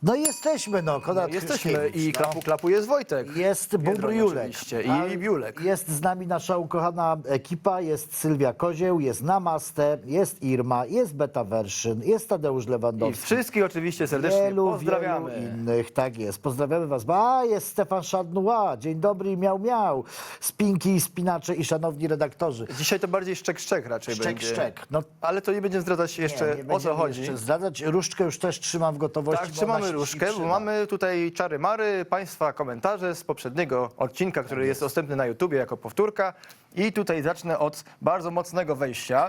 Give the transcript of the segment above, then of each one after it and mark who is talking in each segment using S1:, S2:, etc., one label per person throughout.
S1: No jesteśmy, no, Konrad
S2: Jesteśmy
S1: Hryszkiewicz,
S2: i klapu klapu jest Wojtek.
S1: Jest Bóbr
S2: Biedroń
S1: Julek.
S2: oczywiście.
S1: A
S2: I Biulek.
S1: Jest z nami nasza ukochana ekipa, jest Sylwia Kozieł, jest Namaste, jest Irma, jest Beta Werszyn, jest Tadeusz
S2: I
S1: Lewandowski.
S2: wszystkich oczywiście serdecznie
S1: Wielu
S2: pozdrawiamy.
S1: innych, tak jest. Pozdrawiamy was. A, jest Stefan Szadnua. Dzień dobry, miał, miał. Spinki, spinacze i szanowni redaktorzy.
S2: Dzisiaj to bardziej szczek raczej
S1: Szczek,
S2: będzie.
S1: szczek. No,
S2: Ale to nie będziemy zdradzać jeszcze,
S1: nie
S2: o co
S1: będziemy
S2: chodzi.
S1: jeszcze zdradzać. Różdżkę już też trzymam w gotowości.
S2: Tak,
S1: bo
S2: trzymamy
S1: ona się
S2: różkę, bo
S1: trzyma.
S2: mamy tutaj czary-mary, Państwa komentarze z poprzedniego odcinka, który jest dostępny na YouTubie jako powtórka. I tutaj zacznę od bardzo mocnego wejścia.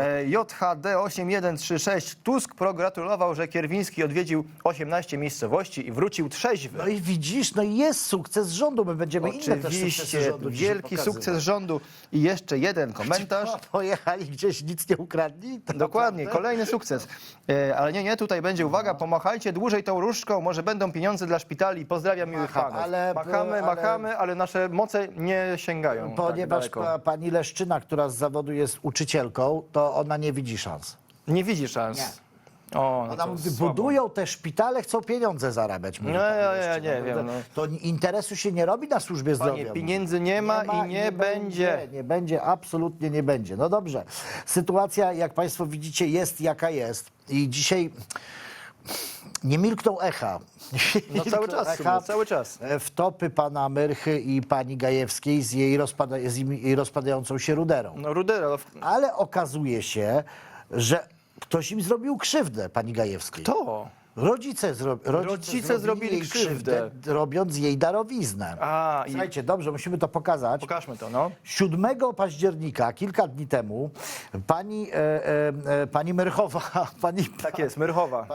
S2: JHD8136. Tusk pogratulował, że Kierwiński odwiedził 18 miejscowości i wrócił trzeźwy.
S1: No i widzisz, no i jest sukces rządu. My będziemy inne też sukcesy
S2: Oczywiście,
S1: rządu dzisiaj
S2: wielki
S1: pokazywać.
S2: sukces rządu. I jeszcze jeden komentarz.
S1: No, pojechali gdzieś, nic nie ukradli. To
S2: Dokładnie,
S1: naprawdę?
S2: kolejny sukces. Ale nie, tutaj będzie, uwaga, pomachajcie dłużej tą różdżką, może będą pieniądze dla szpitali. Pozdrawiam miłych
S1: Macham,
S2: panów.
S1: ale-
S2: Machamy, ale nasze moce nie sięgają
S1: Ponieważ
S2: tak daleko.
S1: pani Leszczyna, która z zawodu jest uczycielką, to ona nie widzi szans.
S2: Nie widzi szans. O, no
S1: Ona
S2: to
S1: mówi,
S2: słabo.
S1: budują te szpitale, chcą pieniądze zarabiać. mówi
S2: No,
S1: pani
S2: ja
S1: Leszczyna.
S2: nie wiem, no.
S1: To interesu się nie robi na służbie zdrowia.
S2: Panie,
S1: mówi.
S2: pieniędzy nie ma i nie będzie.
S1: Nie będzie, absolutnie nie będzie. No dobrze. Sytuacja, jak państwo widzicie, jest jaka jest. I dzisiaj nie milkną echa.
S2: No cały czas, w sumie, cały czas.
S1: Wtopy pana Myrchy i pani Gajewskiej z jej rozpadającą się ruderą.
S2: No Rudera,
S1: Ale okazuje się, że ktoś im zrobił krzywdę, pani Gajewskiej.
S2: to.
S1: Rodzice
S2: zrobili
S1: jej
S2: krzywdę.
S1: robiąc jej darowiznę.
S2: A, i
S1: Słuchajcie, dobrze, musimy to pokazać.
S2: pokażmy to, no.
S1: 7 października, kilka dni temu, pani Myrchowa,
S2: Tak jest, Myrchowa.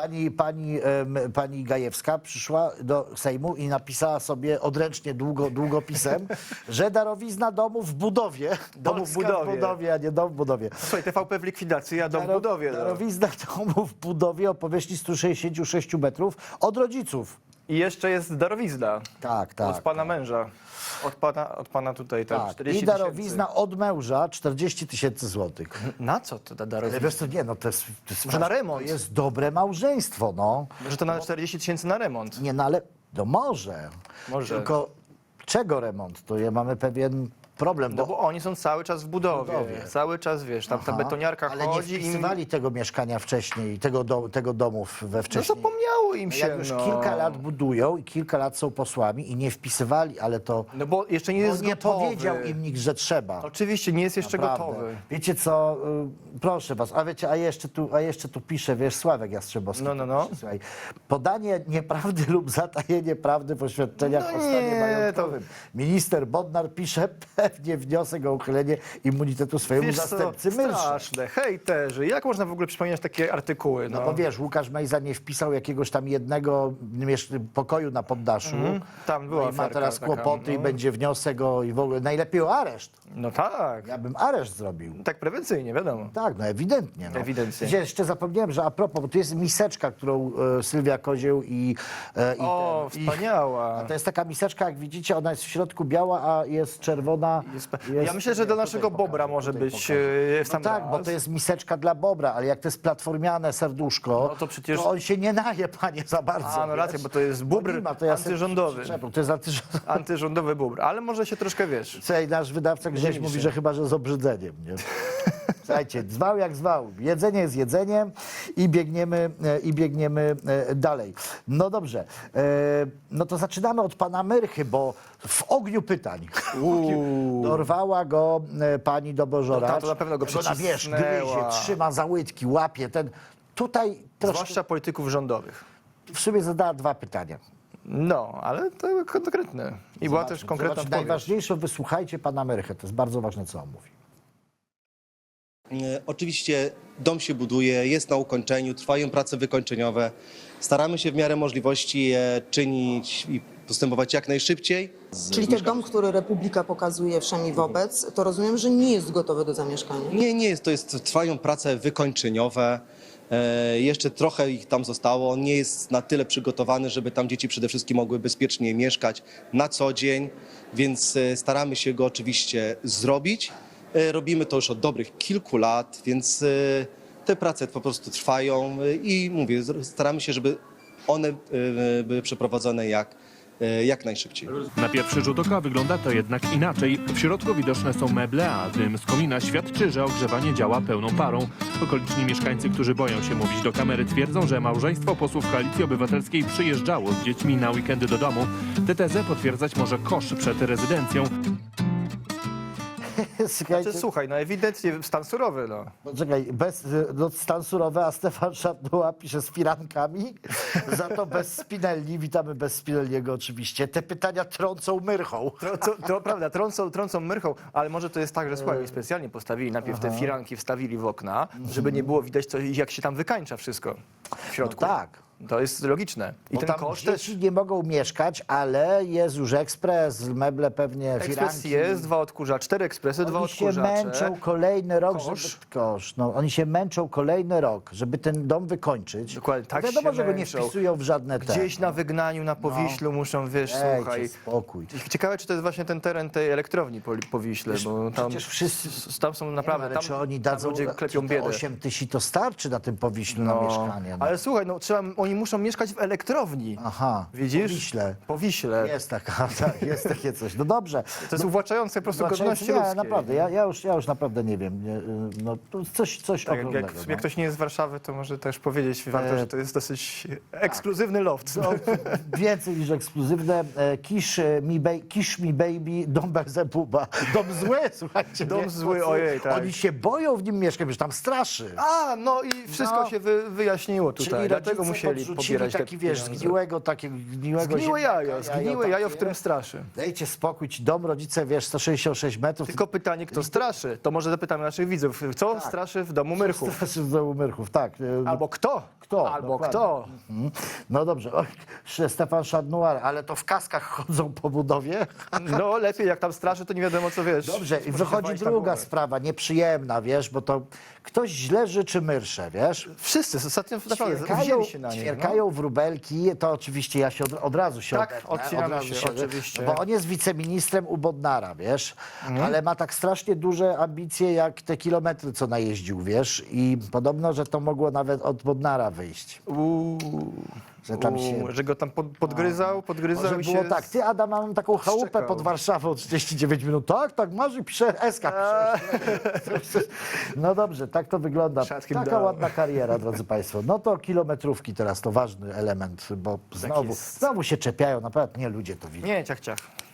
S1: pani Gajewska przyszła do Sejmu i napisała sobie odręcznie długopisem, że darowizna domu w budowie.
S2: Domu w
S1: Polska
S2: budowie.
S1: w budowie, a nie dom w budowie.
S2: Słuchaj, TVP w likwidacji, a dom w budowie. No.
S1: Darowizna domu w budowie o powierzchni 166 metrów od rodziców.
S2: I jeszcze jest darowizna.
S1: Tak, tak.
S2: Od pana męża. Od pana tutaj, tam
S1: Tak.
S2: 40
S1: I darowizna od męża 40 000 złotych.
S2: tysięcy. Na co to ta
S1: Ale
S2: darowizna?
S1: wiesz co, nie, no to jest
S2: Może na remont.
S1: To jest dobre małżeństwo, no.
S2: Że to na 40 tysięcy na remont.
S1: Nie, no ale, no może.
S2: Może.
S1: Tylko czego remont? To mamy pewien problem,
S2: No bo oni są cały czas w budowie.
S1: budowie.
S2: Cały czas, wiesz, tam ta
S1: Aha,
S2: betoniarka
S1: ale nie
S2: chodzi i...
S1: wpisywali tego mieszkania wcześniej, tego domu we
S2: No
S1: wcześniej.
S2: zapomniało im się,
S1: Jak już
S2: no.
S1: kilka lat budują i kilka lat są posłami i nie wpisywali, ale to
S2: No bo jeszcze nie
S1: bo
S2: jest
S1: nie
S2: gotowy.
S1: powiedział im nikt, że trzeba.
S2: Oczywiście, nie jest jeszcze
S1: Naprawdę.
S2: gotowy.
S1: Wiecie co, proszę was, a wiecie, a jeszcze tu pisze, wiesz, Sławek Jastrzębowski.
S2: No.
S1: Pisze, słuchaj, podanie nieprawdy lub zatajenie prawdy w oświadczeniach
S2: No
S1: o stanie
S2: nie,
S1: majątkowym. Minister Bodnar pisze pewnie wniosek o uchylenie immunitetu swojemu
S2: Wiesz co,
S1: zastępcy Myrsze.
S2: straszne, hejterzy. Jak można w ogóle przypominać takie artykuły?
S1: No bo wiesz, Łukasz Mejza nie wpisał jakiegoś tam jednego pokoju na poddaszu.
S2: Tam była
S1: No i ma
S2: aferka
S1: teraz
S2: taka,
S1: kłopoty i
S2: no.
S1: będzie wniosek i w ogóle najlepiej o areszt.
S2: No tak.
S1: Ja bym areszt zrobił.
S2: Tak prewencyjnie, wiadomo.
S1: Tak, no ewidentnie. No.
S2: Ewidentnie.
S1: Jeszcze zapomniałem, że a propos, bo tu jest miseczka, którą Sylwia Kozieł
S2: O, wspaniała.
S1: To jest taka miseczka, jak widzicie, ona jest w środku biała, a jest czerwona.
S2: Ja myślę, że dla
S1: tutaj
S2: naszego
S1: pokażę,
S2: bobra może
S1: tutaj
S2: być
S1: pokażę.
S2: w sam
S1: No tak, bo
S2: raz.
S1: to jest miseczka dla bobra, ale jak to jest platformiane serduszko,
S2: No to przecież-
S1: to on się nie naje, panie, za bardzo.
S2: A, no racja,
S1: wiesz?
S2: bo to jest
S1: Bo
S2: bóbr
S1: nie ma, to ja sobie
S2: antyrządowy.
S1: przyczepię, To jest antyrządowy.
S2: Antyrządowy bóbr, ale może się troszkę, wiesz...
S1: Słuchaj, nasz wydawca Grześ
S2: Dzieli
S1: mówi,
S2: się.
S1: że chyba, że z obrzydzeniem. Nie? Słuchajcie, zwał jak zwał. Jedzenie jest jedzeniem i biegniemy dalej. No dobrze. No to zaczynamy od pana Myrchy, bo w ogniu pytań dorwała go pani Dobożoracz.
S2: No ta to na pewno go
S1: Ona, wiesz,
S2: przycisnęła.
S1: gryzie, trzyma za łydki, łapie ten. Tutaj troszkę,
S2: Zwłaszcza polityków rządowych.
S1: w sumie zadała 2 pytania.
S2: No, ale to konkretne. I była też konkretna
S1: Zobaczcie,
S2: odpowiedź.
S1: najważniejsze, wysłuchajcie pana Myrchę. To jest bardzo ważne, co on mówi.
S3: Oczywiście dom się buduje, jest na ukończeniu, trwają prace wykończeniowe. Staramy się w miarę możliwości je czynić i postępować jak najszybciej.
S4: Czyli ten dom, który Republika pokazuje wszemi wobec, to rozumiem, że nie jest gotowy do zamieszkania.
S3: Nie jest, trwają prace wykończeniowe. Jeszcze trochę ich tam zostało. On nie jest na tyle przygotowany, żeby tam dzieci przede wszystkim mogły bezpiecznie mieszkać na co dzień, więc staramy się go oczywiście zrobić. Robimy to już od dobrych kilku lat, więc te prace po prostu trwają i mówię, staramy się, żeby one były przeprowadzone jak najszybciej.
S5: Na pierwszy rzut oka wygląda to jednak inaczej. W środku widoczne są meble, a dym z komina świadczy, że ogrzewanie działa pełną parą. Okoliczni mieszkańcy, którzy boją się mówić do kamery, twierdzą, że małżeństwo posłów Koalicji Obywatelskiej przyjeżdżało z dziećmi na weekendy do domu. Tę tezę potwierdzać może kosz przed rezydencją.
S1: Słuchajcie,
S2: Słuchaj, no ewidentnie stan surowy, no.
S1: czekaj, stan surowy, a Stefan Szadnuła pisze z firankami, za to bez Spinelli. Witamy bez Spinelliego oczywiście. Te pytania trącą myrchą.
S2: To prawda, trącą myrchą, ale może to jest tak, że słuchaj, oni specjalnie postawili, najpierw te firanki wstawili w okna, żeby nie było widać, jak się tam wykańcza wszystko w środku.
S1: No tak.
S2: To jest logiczne. I
S1: Bo
S2: ten
S1: tam
S2: koszt
S1: dzieci
S2: też.
S1: nie mogą mieszkać, ale jest już ekspres, meble pewnie,
S2: Ekspres
S1: firanki.
S2: jest, 2 odkurzacze, 4 ekspresy, 2
S1: Oni się
S2: odkurzacze.
S1: męczą kolejny rok,
S2: Kosz.
S1: Oni się męczą kolejny rok, żeby ten dom wykończyć.
S2: Dokładnie, tak
S1: Wiadomo,
S2: się
S1: że go nie
S2: męczą.
S1: wpisują w żadne te.
S2: Gdzieś na wygnaniu, na Powiślu muszą, wiesz,
S1: Dajcie
S2: słuchaj.
S1: spokój.
S2: Ciekawe, czy to jest właśnie ten teren tej elektrowni po Wiśle, bo tam,
S1: przecież wszyscy-
S2: tam są naprawdę,
S1: Ale
S2: tam,
S1: czy oni
S2: tam
S1: dadzą
S2: ludzie klepią
S1: czy
S2: biedę.
S1: 8 tysięcy to starczy na tym Powiślu na mieszkanie? No.
S2: Ale słuchaj, no oni muszą mieszkać w elektrowni.
S1: Aha,
S2: Widzisz?
S1: Po Wiśle.
S2: Po Wiśle.
S1: Jest taka, tak, jest takie coś. No dobrze.
S2: To jest uwłaczające po prostu godności
S1: nie,
S2: ludzkiej.
S1: naprawdę, ja już naprawdę nie wiem. No, to coś
S2: Tak,
S1: ogromnego.
S2: jak ktoś nie jest z Warszawy, to może też powiedzieć warto, że to jest dosyć ekskluzywny loft.
S1: No, więcej niż ekskluzywne. Kiss me baby, dom Belzebuba. Dom zły, słuchajcie.
S2: Dom
S1: nie?
S2: zły, ojej, tak.
S1: Oni się boją w nim mieszkać, że tam straszy.
S2: A, no i wszystko
S1: No.
S2: się wyjaśniło tutaj,
S1: Czyli
S2: dlatego
S1: rodzice
S2: musieli
S1: podrzucili
S2: pobierać
S1: taki,
S2: te
S1: wiesz,
S2: pieniądze.
S1: zgniłego
S2: Zgniłe jajo, w
S1: takie.
S2: którym straszy.
S1: Dajcie spokój, ci dom, rodzice, wiesz, 166 metrów.
S2: Tylko pytanie, kto straszy? To może zapytamy naszych widzów. Co straszy w domu Myrchów?
S1: Straszy w domu Myrchów, tak.
S2: Albo kto?
S1: Kto,
S2: Albo
S1: dokładnie.
S2: kto?
S1: No dobrze, oj, Stefan Szadnuar, ale to w kaskach chodzą po budowie.
S2: No lepiej, jak tam straszy, to nie wiadomo, co wiesz.
S1: Dobrze, i
S2: Proszę
S1: wychodzi
S2: państwa,
S1: druga
S2: głowę.
S1: sprawa, nieprzyjemna, wiesz, bo to ktoś źle życzy myrsze, wiesz.
S2: Wszyscy ostatnio naprawdę wzięli się na nie.
S1: ćwierkają wróbelki, to oczywiście ja się od razu się
S2: Tak,
S1: odetnę,
S2: odcinamy
S1: od razu
S2: się, oczywiście.
S1: Bo on jest wiceministrem u Bodnara, wiesz, ale ma tak strasznie duże ambicje, jak te kilometry, co najeździł, wiesz, i podobno, że to mogło nawet od Bodnara wyjść. Że tam się...
S2: Że go tam podgryzał
S1: Może
S2: i
S1: było
S2: się...
S1: tak, ty Adam, mam taką chałupę
S2: szczekał.
S1: pod Warszawą, 39 minut, tak, masz i pisze SK. No dobrze, tak to wygląda.
S2: Shut him
S1: Taka
S2: down.
S1: ładna kariera, drodzy Państwo. No to kilometrówki teraz to ważny element, bo
S2: jest.
S1: znowu się czepiają, naprawdę nie ludzie to widzą.
S2: Nie, ciach.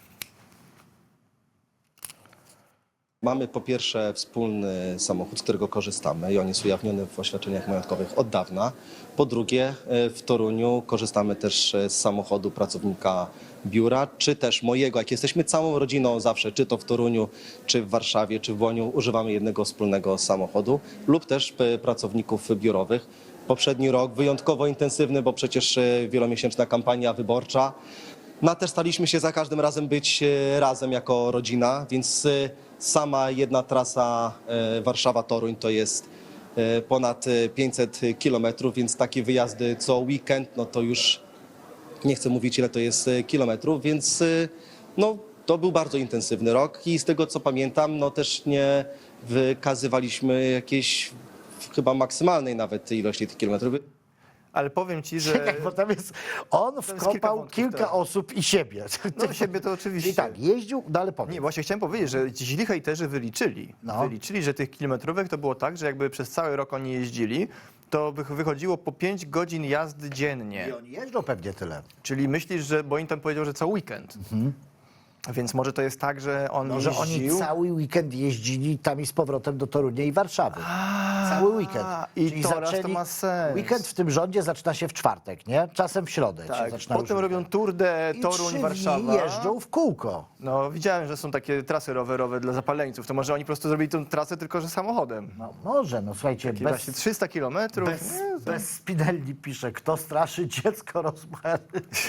S3: Mamy po pierwsze wspólny samochód, z którego korzystamy i on jest ujawniony w oświadczeniach majątkowych od dawna. Po drugie, w Toruniu korzystamy też z samochodu pracownika biura, czy też mojego, jak jesteśmy całą rodziną zawsze, czy to w Toruniu, czy w Warszawie, czy w Łoniu, używamy jednego wspólnego samochodu lub też pracowników biurowych. Poprzedni rok wyjątkowo intensywny, bo przecież wielomiesięczna kampania wyborcza. No a też staliśmy się za każdym razem być razem jako rodzina, więc sama jedna trasa Warszawa-Toruń to jest ponad 500 kilometrów, więc takie wyjazdy co weekend, no to już nie chcę mówić ile to jest kilometrów, więc no to był bardzo intensywny rok i z tego co pamiętam, no też nie wykazywaliśmy jakiejś chyba maksymalnej nawet ilości tych kilometrów.
S2: Ale powiem ci, że...
S1: Czekaj, bo tam jest, on
S2: jest kilka
S1: wkopał
S2: wątków,
S1: kilka
S2: tak.
S1: osób i siebie.
S2: No siebie to oczywiście.
S1: I tak, jeździł, no ale powiem.
S2: Nie, właśnie chciałem powiedzieć, że ci źli hejterzy wyliczyli.
S1: No.
S2: Wyliczyli, że tych kilometrówek to było tak, że jakby przez cały rok oni jeździli, to wychodziło po 5 godzin jazdy dziennie.
S1: I oni jeżdżą pewnie tyle.
S2: Czyli myślisz, że, bo im tam powiedział, że cały weekend. Więc może to jest tak, że on
S1: No, że oni
S2: jeździł...
S1: cały weekend jeździli tam i z powrotem do Torunia i Warszawy. Cały weekend.
S2: i
S1: Czyli
S2: teraz to ma sens.
S1: Weekend w tym rządzie zaczyna się w czwartek, nie? Czasem w środę się
S2: Tak,
S1: zaczyna
S2: potem
S1: już
S2: robią
S1: weekend.
S2: tour de
S1: I
S2: Toruń,
S1: 3 dni
S2: Warszawa.
S1: jeżdżą w kółko.
S2: No widziałem, że są takie trasy rowerowe dla zapaleńców. To może oni po prostu zrobili tę trasę tylko, że samochodem.
S1: No może, no słuchajcie,
S2: Takie właśnie 300 kilometrów.
S1: bez Spinelli pisze, kto straszy dziecko rozmary.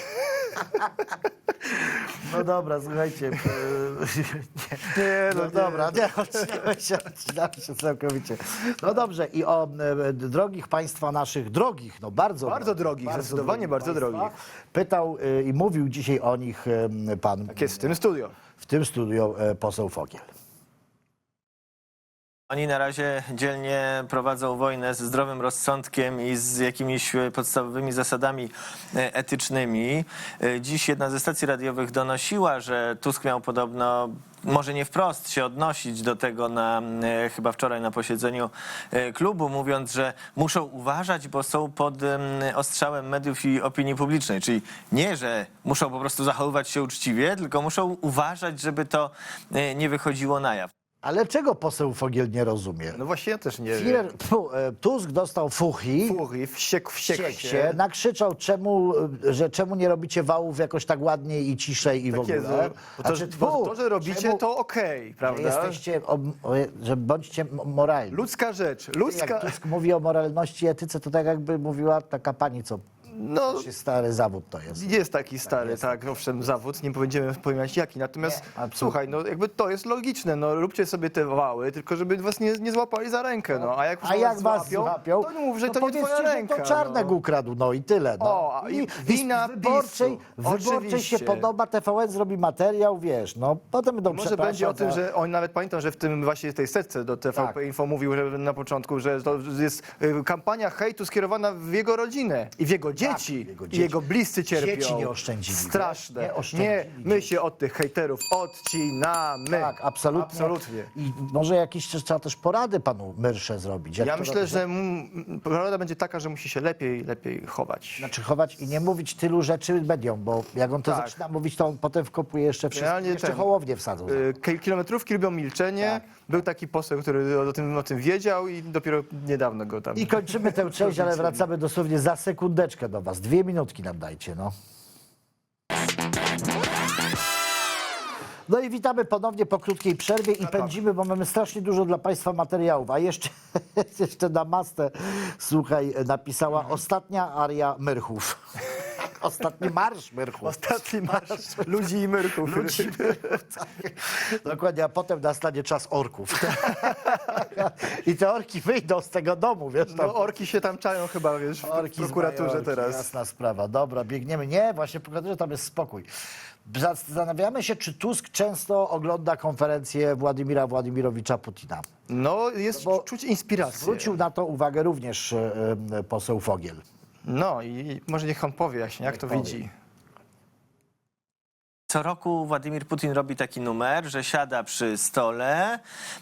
S1: No dobra, słuchajcie. No dobra, nie, odcinamy się całkowicie. No dobrze, i o drogich państwa naszych, drogich, no bardzo
S2: drogich, zdecydowanie bardzo
S1: państwa,
S2: drogich.
S1: pytał i mówił dzisiaj o nich pan
S2: Tak jest w tym studio.
S1: w tym studiu poseł Fogiel.
S6: Oni na razie dzielnie prowadzą wojnę ze zdrowym rozsądkiem i z jakimiś podstawowymi zasadami etycznymi. Dziś jedna ze stacji radiowych donosiła, że Tusk miał podobno, może nie wprost się odnosić do tego chyba wczoraj na posiedzeniu klubu, mówiąc, że muszą uważać, bo są pod ostrzałem mediów i opinii publicznej. Czyli nie, że muszą po prostu zachowywać się uczciwie, tylko muszą uważać, żeby to nie wychodziło na jaw.
S1: Ale czego poseł Fogiel nie rozumie?
S2: No właśnie ja też nie wiem.
S1: Tusk dostał fuchi,
S2: Fury, wściekł się.
S1: nakrzyczał, czemu nie robicie wałów jakoś tak ładniej i ciszej i w
S2: Tak jest,
S1: ogóle.
S2: bo to,
S1: Znaczy,
S2: bo to, że robicie,
S1: czemu
S2: to okej, prawda?
S1: jesteście, że bądźcie moralni.
S2: Ludzka rzecz, ludzka...
S1: Jak Tusk mówi o moralności i etyce, to tak jakby mówiła taka pani, co
S2: No,
S1: stary zawód to jest.
S2: jest taki stary, tak, owszem, zawód, nie będziemy pojawiać jaki, natomiast
S1: absolutnie.
S2: słuchaj, no jakby to jest logiczne, no róbcie sobie te wały, tylko żeby was nie złapali za rękę, no, a jak już
S1: A jak was złapią,
S2: to nie mów, że to nie
S1: powiedzcie,
S2: twoja ręka.
S1: że to Czarnek ukradł, no i tyle. No.
S2: O, i wina
S1: wyborczej
S2: PiS-u.
S1: się
S2: Oczywiście.
S1: podoba, TVN zrobi materiał, wiesz, no potem będą
S2: Może
S1: przepraszać
S2: będzie o tym,
S1: za-
S2: że on nawet pamiętam, że w tym właśnie tej setce do TVP
S1: Tak.
S2: Info mówił, że na początku, że to jest kampania hejtu skierowana w jego rodzinę i w jego dzieci.
S1: w jego
S2: I
S1: dzieci.
S2: jego bliscy cierpią.
S1: Dzieci nie oszczędzili.
S2: Straszne.
S1: Nie oszczędzili
S2: Nie, my
S1: dzieci.
S2: się od tych hejterów odcinamy.
S1: Tak, absolutnie.
S2: Absolutnie.
S1: I może jakieś trzeba też porady panu Myrsze zrobić. Jak
S2: Ja
S1: to
S2: myślę,
S1: robić?
S2: że porada będzie taka, że musi się lepiej chować.
S1: Znaczy chować i nie mówić tylu rzeczy mediom, bo jak on to
S2: Tak.
S1: zaczyna mówić, to on potem wkopuje jeszcze wszystko,
S2: Realnie
S1: jeszcze
S2: ten-
S1: Hołownię wsadzą.
S2: Kilometrówki lubią milczenie.
S1: Tak.
S2: Był taki poseł, który o tym wiedział i dopiero niedawno go tam...
S1: I kończymy tę część, ale wracamy dosłownie za sekundeczkę do was. 2 minutki nam dajcie, no. No i witamy ponownie po krótkiej przerwie i pędzimy, bo mamy strasznie dużo dla państwa materiałów. A jeszcze, jeszcze na mastę, słuchaj, napisała ostatnia aria Myrchów. Ostatni marsz Myrchów.
S2: Ostatni marsz ludzi i myrków.
S1: Dokładnie, a potem nastanie czas orków. I te orki wyjdą z tego domu, wiesz. Tam.
S2: No orki się tam czają chyba, wiesz, w prokuraturze
S1: z Majorki,
S2: teraz.
S1: Jasna sprawa. Dobra, biegniemy. Nie, właśnie w prokuraturze tam jest spokój. Zastanawiamy się, czy Tusk często ogląda konferencję Władimira Władimirowicza Putina.
S2: No jest
S1: bo
S2: czuć inspirację.
S1: Zwrócił na to uwagę również poseł Fogiel.
S2: No i może niech on powie, jak to
S1: powie.
S2: widzi.
S6: Co roku Władimir Putin robi taki numer, że siada przy stole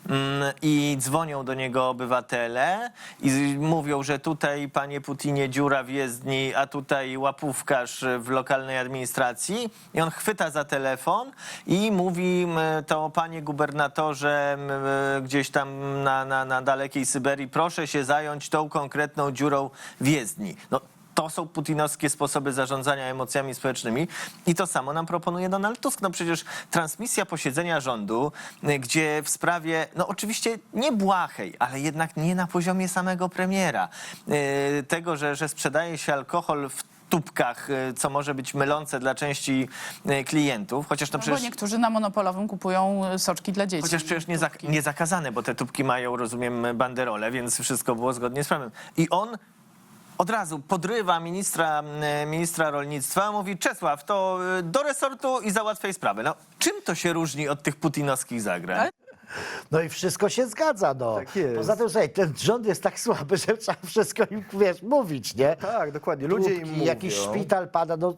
S6: i dzwonią do niego obywatele i mówią, że tutaj, panie Putinie, dziura w jezdni, a tutaj łapówkarz w lokalnej administracji. I on chwyta za telefon i mówi, to panie gubernatorze gdzieś tam na dalekiej Syberii, proszę się zająć tą konkretną dziurą w jezdni. No, to są putinowskie sposoby zarządzania emocjami społecznymi i to samo nam proponuje Donald Tusk. No przecież transmisja posiedzenia rządu, gdzie w sprawie, no oczywiście nie błahej, ale jednak nie na poziomie samego premiera, tego, że sprzedaje się alkohol w tubkach, co może być mylące dla części klientów, chociaż to
S7: No
S6: przecież...
S7: bo niektórzy na monopolowym kupują soczki dla dzieci.
S6: Chociaż przecież nie zakazane, bo te tubki mają, rozumiem, banderole, więc wszystko było zgodnie z prawem. I on od razu podrywa ministra rolnictwa, mówi: Czesław, to do resortu i załatwiaj sprawę. No, czym to się różni od tych putinowskich zagrań?
S1: No i wszystko się zgadza, no.
S2: Tak jest.
S1: Poza tym, słuchaj, ten rząd jest tak słaby, że trzeba wszystko im, wiesz, mówić, nie?
S2: Tak, dokładnie. Ludzie im
S1: Tłupki,
S2: mówią.
S1: jakiś szpital pada, no...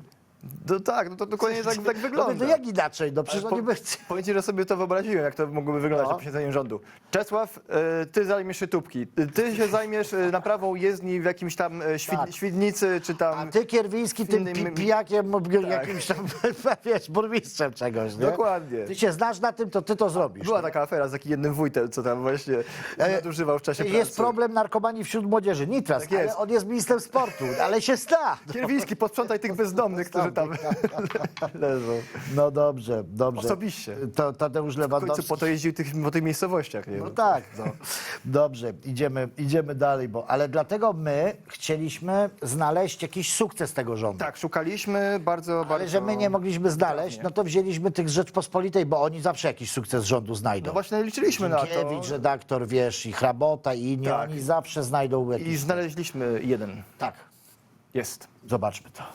S2: No tak, no to dokładnie tak
S1: No,
S2: wygląda.
S1: no jak inaczej? No przecież oni by...
S2: Powiem ci, że sobie to wyobraziłem, jak to mogłoby wyglądać
S1: No.
S2: na posiedzeniu rządu. Czesław, ty zajmiesz się tubki. Ty się zajmiesz naprawą jezdni w jakimś tam
S1: Tak.
S2: Świdnicy, czy tam...
S1: A ty, Kierwiński, tym
S2: innym-
S1: pijakiem, jakimś tam, wiesz, burmistrzem czegoś, nie?
S2: Dokładnie.
S1: Ty się znasz na tym, to ty to zrobisz.
S2: Była taka afera z takim jednym wójtem, co tam właśnie nadużywał w czasie pracy.
S1: Jest problem narkomanii wśród młodzieży, Nitras,
S2: Tak jest.
S1: ale on jest ministrem sportu, ale się zna.
S2: Kierwiński, posprzątaj tych bezdomnych, którzy tam leżą.
S1: No dobrze, dobrze.
S2: Osobiście.
S1: To Tadeusz
S2: W końcu
S1: Lewandowski.
S2: po to jeździł po tych miejscowościach. Nie?
S1: No tak, no. Dobrze, idziemy dalej, ale dlatego my chcieliśmy znaleźć jakiś sukces tego rządu.
S2: Tak, szukaliśmy bardzo.
S1: Ale że my nie mogliśmy znaleźć, no to wzięliśmy tych z Rzeczpospolitej, bo oni zawsze jakiś sukces rządu znajdą.
S2: No właśnie liczyliśmy na to.
S1: Dziękiewicz, redaktor, wiesz, i Hrabota, i inni,
S2: Tak.
S1: oni zawsze znajdą
S2: I
S1: jakiś...
S2: znaleźliśmy jeden.
S1: Tak,
S2: Jest.
S1: zobaczmy to.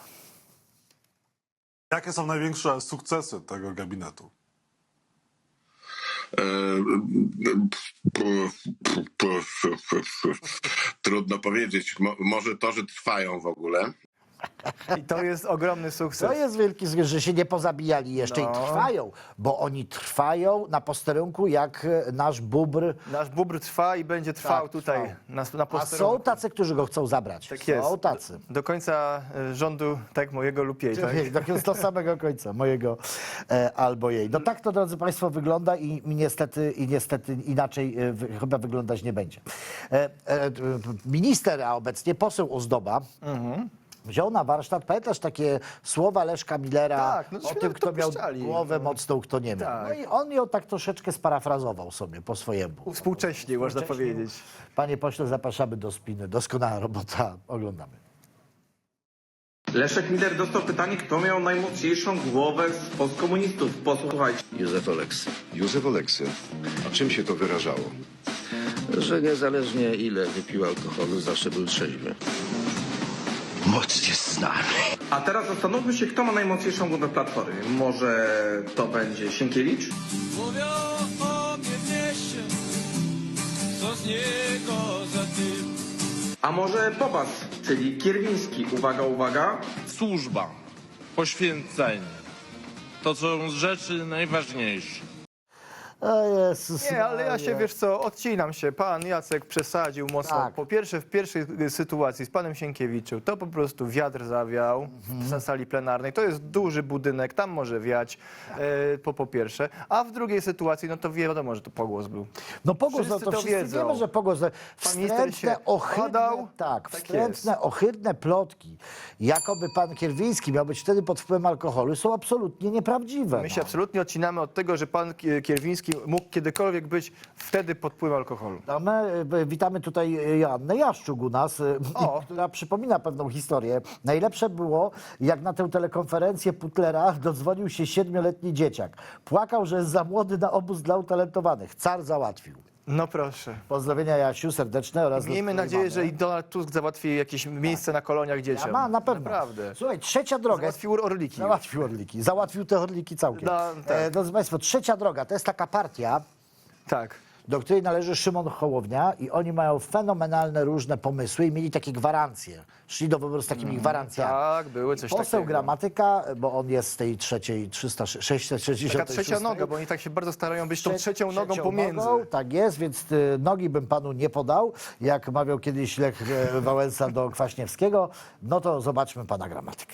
S8: Jakie są największe sukcesy tego gabinetu? Trudno powiedzieć. Może to, że trwają w ogóle.
S2: I to jest ogromny sukces.
S1: To jest wielki sukces, że się nie pozabijali jeszcze
S2: No.
S1: i trwają, bo oni trwają na posterunku jak nasz bóbr.
S2: Nasz bóbr trwa i będzie trwał
S1: Tak,
S2: tutaj na
S1: A
S2: posterunku.
S1: są tacy, którzy go chcą zabrać.
S2: Tak jest.
S1: Są tacy.
S2: Do końca rządu, tak, mojego lub jej. Tak?
S1: Do samego końca, mojego albo jej. No tak to, drodzy Państwo, wygląda i niestety inaczej chyba wyglądać nie będzie. Minister, a obecnie poseł Ozdoba, wziął na warsztat, pamiętasz takie słowa Leszka Millera
S2: Tak, no
S1: o
S2: żeśmy
S1: tym,
S2: to
S1: kto miał
S2: puszczali.
S1: głowę mocną, kto nie miał.
S2: Tak.
S1: No i on ją tak troszeczkę sparafrazował sobie po swojemu.
S2: Współcześnie, można
S1: Współcześnie.
S2: powiedzieć.
S1: Panie pośle, zapraszamy do spiny. Doskonała robota. Oglądamy.
S9: Leszek Miller dostał pytanie, kto miał najmocniejszą głowę z postkomunistów. Posłuchajcie.
S10: Józef Oleksy.
S11: Józef Oleksy. A czym się to wyrażało?
S10: Że niezależnie ile wypił alkoholu, zawsze był trzeźwy. Mocnie znany.
S9: A teraz zastanówmy się, kto ma najmocniejszą głowę Platformy. Może to będzie Sienkiewicz?
S12: Mówią o mnie w mieście, co z niego za tym.
S9: A może Bobas, czyli Kierwiński. Uwaga, uwaga.
S12: Służba, poświęcenie, to są rzeczy najważniejsze.
S1: O Jezus
S2: Nie, ale ja się,
S1: Maria.
S2: wiesz co, odcinam się. Pan Jacek przesadził mocno.
S1: Tak.
S2: Po pierwsze, w pierwszej sytuacji z panem Sienkiewiczem, to po prostu wiatr zawiał na sali plenarnej. To jest duży budynek, tam może wiać, po pierwsze. A w drugiej sytuacji, no to wiadomo, że to pogłos był.
S1: No pogłos, no
S2: Wszyscy
S1: to
S2: to
S1: wszyscy
S2: wiedzą.
S1: wiemy, że pogłos.
S2: Pan minister się podał.
S1: Tak,
S2: Tak
S1: wstrętne,
S2: jest.
S1: ohydne plotki, jakoby pan Kierwiński miał być wtedy pod wpływem alkoholu, są absolutnie nieprawdziwe.
S2: My się
S1: no.
S2: absolutnie odcinamy od tego, że pan Kierwiński mógł kiedykolwiek być wtedy pod wpływem alkoholu.
S1: A my witamy tutaj Joannę Jaszczuk u nas,
S2: O.
S1: która przypomina pewną historię. Najlepsze było, jak na tę telekonferencję Putlera dodzwonił się 7-letni dzieciak. Płakał, że jest za młody na obóz dla utalentowanych. Car załatwił.
S2: No proszę.
S1: Pozdrowienia Jasiu serdeczne oraz...
S2: Miejmy
S1: do
S2: nadzieję, że
S1: mamy.
S2: i Donald Tusk załatwi jakieś miejsce na koloniach dzieciom.
S1: Ja ma, na pewno.
S2: Naprawdę.
S1: Słuchaj, trzecia droga.
S2: Załatwił orliki.
S1: Załatwił orliki. Załatwił te orliki całkiem.
S2: No, tak.
S1: Drodzy Państwo, trzecia droga to jest taka partia,
S2: Tak.
S1: do której należy Szymon Hołownia i oni mają fenomenalne różne pomysły i mieli takie gwarancje. Szli do wyboru z takimi gwarancjami.
S2: Tak, były coś
S1: Poseł
S2: takiego.
S1: Gramatyka, bo on jest z tej trzeciej, 666.
S2: Taka trzecia noga, bo oni tak się bardzo starają być tą trzecią nogą pomiędzy.
S1: Nogą, tak jest, więc nogi bym panu nie podał, jak mawiał kiedyś Lech Wałęsa do Kwaśniewskiego. No to zobaczmy pana Gramatykę.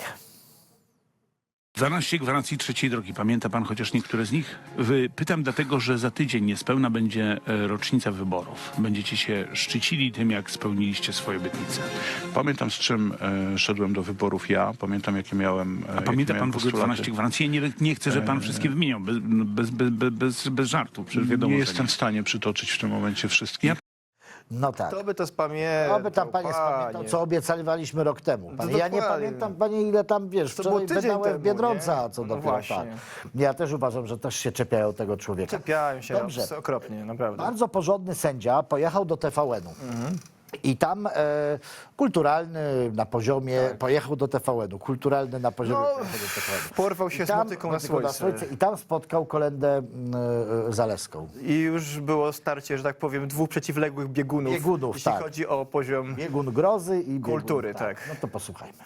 S13: 12 gwarancji trzeciej drogi. Pamięta pan chociaż niektóre z nich? Pytam dlatego, że za tydzień niespełna będzie rocznica wyborów. Będziecie się szczycili tym, jak spełniliście swoje obietnice.
S14: Pamiętam, z czym szedłem do wyborów ja. Pamiętam, jakie miałem
S13: A pamięta pan w ogóle
S14: postulaty.
S13: 12 gwarancji? Ja nie chcę, żeby pan wszystkie wymieniał. Bez żartu. Przecież wiadomo,
S14: Nie
S13: że
S14: jestem w stanie przytoczyć w tym momencie wszystkich.
S1: No tak.
S2: Kto by to spamiętał?
S1: Oby tam panie spamiętał, co obiecaliśmy rok temu. Panie,
S2: No
S1: ja nie
S2: dokładnie.
S1: pamiętam, panie, ile tam, wiesz,
S2: To było
S1: wczoraj
S2: tydzień
S1: wydałem
S2: temu,
S1: Biedronca,
S2: nie?
S1: co
S2: No
S1: dopiero
S2: właśnie.
S1: tak. Ja też uważam, że też się czepiają tego człowieka.
S2: Czepiają się
S1: Dobrze.
S2: okropnie, naprawdę.
S1: Bardzo porządny sędzia pojechał do TVN-u. I tam kulturalny na poziomie, pojechał do TVN-u, kulturalny na poziomie,
S2: No,
S1: pojechał do TVN-u.
S2: porwał się
S1: I
S2: z
S1: tam,
S2: motyką na słońce.
S1: I tam spotkał Kolendę Zalewską.
S2: I już było starcie, że tak powiem, dwóch przeciwległych biegunów, jeśli
S1: tak.
S2: chodzi o poziom
S1: Biegun grozy i
S2: kultury,
S1: biegun,
S2: tak.
S1: No to posłuchajmy.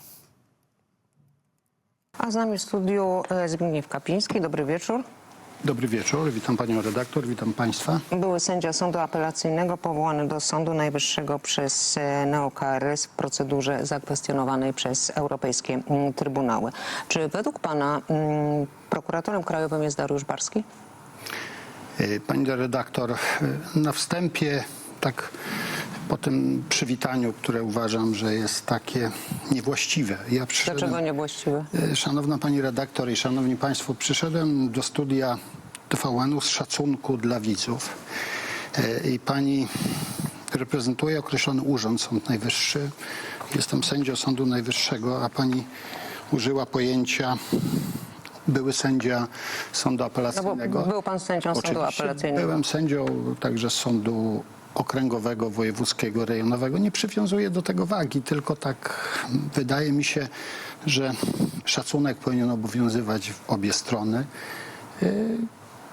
S15: A z nami w studiu Zbigniew Kapiński. Dobry wieczór.
S16: Dobry wieczór, witam panią redaktor, witam państwa.
S15: Były sędzia Sądu Apelacyjnego powołany do Sądu Najwyższego przez neo-KRS w procedurze zakwestionowanej przez europejskie trybunały. Czy według pana prokuratorem krajowym jest Dariusz Barski?
S16: Pani redaktor, na wstępie, tak po tym przywitaniu, które uważam, że jest takie niewłaściwe. Ja przyszedłem,
S15: Dlaczego niewłaściwe?
S16: Szanowna pani redaktor i szanowni państwo, przyszedłem do studia TVN-u z szacunku dla widzów. I pani reprezentuje określony urząd, Sąd Najwyższy. Jestem sędzią Sądu Najwyższego, a pani użyła pojęcia były sędzia Sądu Apelacyjnego.
S15: No bo był pan sędzią Sądu
S16: Oczywiście
S15: Apelacyjnego.
S16: byłem sędzią także Sądu Okręgowego, Wojewódzkiego, Rejonowego. Nie przywiązuję do tego wagi, tylko tak wydaje mi się, że szacunek powinien obowiązywać w obie strony.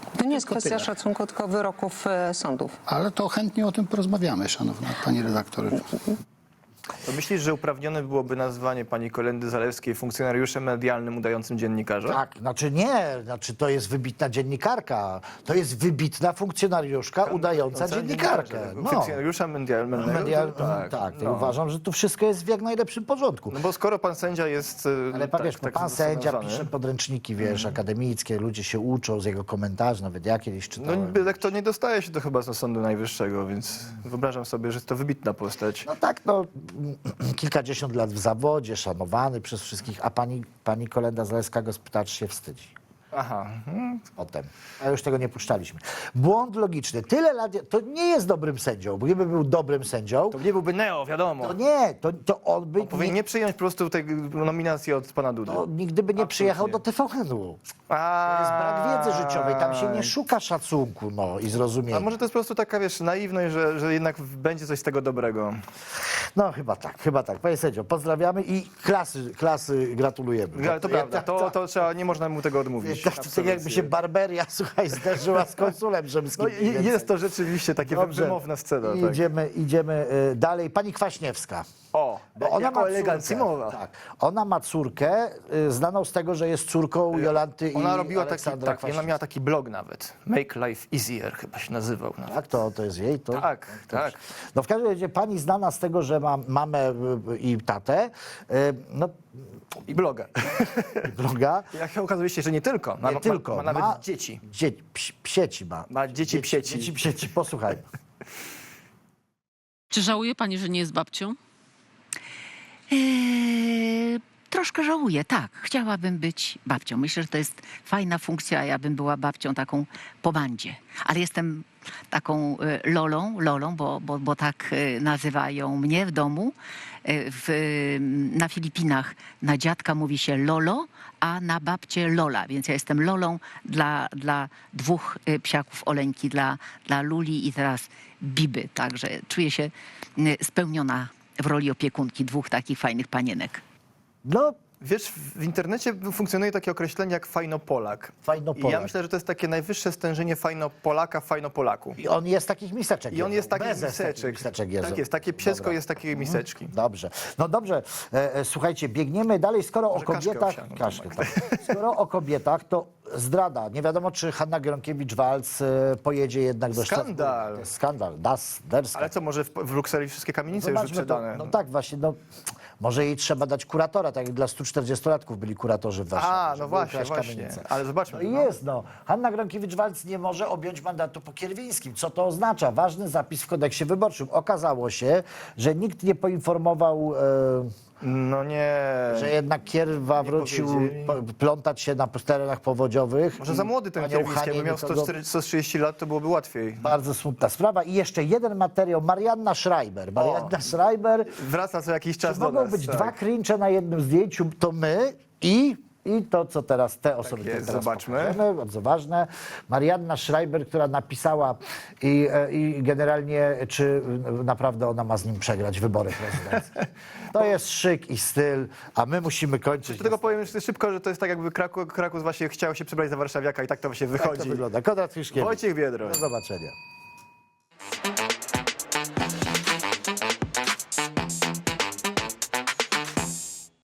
S15: To nie jest
S2: Tylko
S15: kwestia
S2: tyle.
S15: szacunku, tylko wyroków sądów.
S16: Ale to chętnie o tym porozmawiamy, szanowna pani redaktor.
S2: To myślisz, że uprawnione byłoby nazwanie pani Kolendy Zalewskiej funkcjonariuszem medialnym udającym dziennikarza?
S1: Tak, znaczy to jest wybitna dziennikarka, to jest wybitna funkcjonariuszka udająca dziennikarkę. No.
S2: Funkcjonariusza medialnego?
S1: Tak, to uważam, że tu wszystko jest w jak najlepszym porządku.
S2: No bo skoro pan sędzia jest...
S1: Ale wiesz, pan sędzia
S2: nazwany.
S1: pisze podręczniki, wiesz, akademickie, ludzie się uczą z jego komentarzy, nawet ja kiedyś
S2: No
S1: czytałem.
S2: to nie dostaje się to chyba z Sądu Najwyższego, więc wyobrażam sobie, że to wybitna postać.
S1: No tak, kilkadziesiąt lat w zawodzie, szanowany przez wszystkich, a pani Kolenda Zalewska go spyta, czy się wstydzi.
S2: Aha.
S1: Potem. A już tego nie puszczaliśmy. Błąd logiczny. Tyle lat, to nie jest dobrym sędzią, bo gdyby był dobrym sędzią,
S2: To nie byłby Neo, wiadomo.
S1: to nie, to on by
S2: Powinien nie przyjąć po prostu tej nominacji od pana Dudy.
S1: to nigdy by nie przyjechał do TVN-u. To jest brak wiedzy życiowej, tam się nie szuka szacunku, i zrozumienia.
S2: A może to jest po prostu taka, wiesz, naiwność, że jednak będzie coś z tego dobrego.
S1: No chyba tak. Panie sędzio, pozdrawiamy i klasy gratulujemy.
S2: Ale to prawda, to trzeba, nie można mu tego odmówić.
S1: Tak jakby się Barberia, słuchaj, zderzyła z konsulem rzymskim.
S2: No i jest to rzeczywiście takie
S1: Dobrze.
S2: wymowna scena. Tak.
S1: Idziemy dalej. Pani Kwaśniewska.
S2: O,
S1: Bo ona
S2: jako
S1: ma
S2: elegancji
S1: córkę,
S2: mowa.
S1: tak. Ona ma córkę znaną z tego, że jest córką Jolanty
S2: Ona
S1: i
S2: robiła
S1: Aleksandra
S2: ona miała taki blog nawet. Make Life Easier chyba się nazywał. Nawet.
S1: Tak, to jest jej? To?
S2: Tak.
S1: No w każdym razie pani znana z tego, że ma mamę i tatę,
S2: I bloga.
S1: bloga.
S2: Jak się okazuje się, że nie tylko. Ma nawet dzieci.
S1: Psieci ma.
S2: Ma dzieci psieci.
S1: Dzieci psieci, posłuchajmy.
S7: Czy żałuje pani, że nie jest babcią?
S17: Troszkę żałuję, tak. Chciałabym być babcią. Myślę, że to jest fajna funkcja, ja bym była babcią taką po bandzie. Ale jestem taką lolą, bo tak nazywają mnie w domu. Na Filipinach na dziadka mówi się lolo, a na babcię lola. Więc ja jestem lolą dla dwóch psiaków Oleńki, dla Luli i teraz Biby. Także czuję się spełniona w roli opiekunki dwóch takich fajnych panienek.
S1: No,
S2: wiesz, w internecie funkcjonuje takie określenie jak fajnopolak.
S1: Fajnopolak.
S2: I ja myślę, że to jest takie najwyższe stężenie fajnopolaka w fajnopolaku.
S1: I on jest takich miseczek.
S2: I on jest takich
S1: miseczek.
S2: Tak jest, takie piesko
S1: Dobra.
S2: jest takiej miseczki.
S1: Dobrze. No dobrze, słuchajcie, biegniemy dalej. Skoro o kobietach. Skoro o kobietach, to zdrada. Nie wiadomo, czy Hanna Gronkiewicz-Waltz pojedzie jednak do
S2: Skandal.
S1: To jest skandal.
S2: Ale co, może w Brukseli wszystkie kamienice już
S1: Zobaczmy
S2: wyprzedane?
S1: No tak, właśnie. Może jej trzeba dać kuratora, tak jak dla 140-latków byli kuratorzy w Warszawie.
S2: No właśnie. Ale zobaczmy.
S1: Jest. Hanna Gronkiewicz-Waltz nie może objąć mandatu po Kierwińskim. Co to oznacza? Ważny zapis w kodeksie wyborczym. Okazało się, że nikt nie poinformował...
S2: No nie.
S1: Że jednak Kierwa wrócił plątać się na terenach powodziowych.
S2: Może za młody ten Kierwiński, jakby miał 130 lat, to byłoby łatwiej.
S1: Bardzo smutna sprawa. I jeszcze jeden materiał. Marianna Schreiber. Schreiber.
S2: Wraca co jakiś czas
S1: Czy
S2: do
S1: mogą
S2: nas.
S1: być dwa cringe na jednym zdjęciu? To my i to, co teraz te osoby
S2: jest,
S1: teraz
S2: zobaczmy.
S1: pokażemy, bardzo ważne. Marianna Schreiber, która napisała i generalnie, czy naprawdę ona ma z nim przegrać wybory prezydenckie. To jest szyk i styl, a my musimy kończyć.
S2: Do tego powiem jeszcze szybko, że to jest tak jakby Kraków właśnie chciał się przebrać za warszawiaka i tak to właśnie wychodzi.
S1: Tak to wygląda. Konrad Fiszkiewicz.
S2: Wojciech Biedroń.
S1: Do zobaczenia.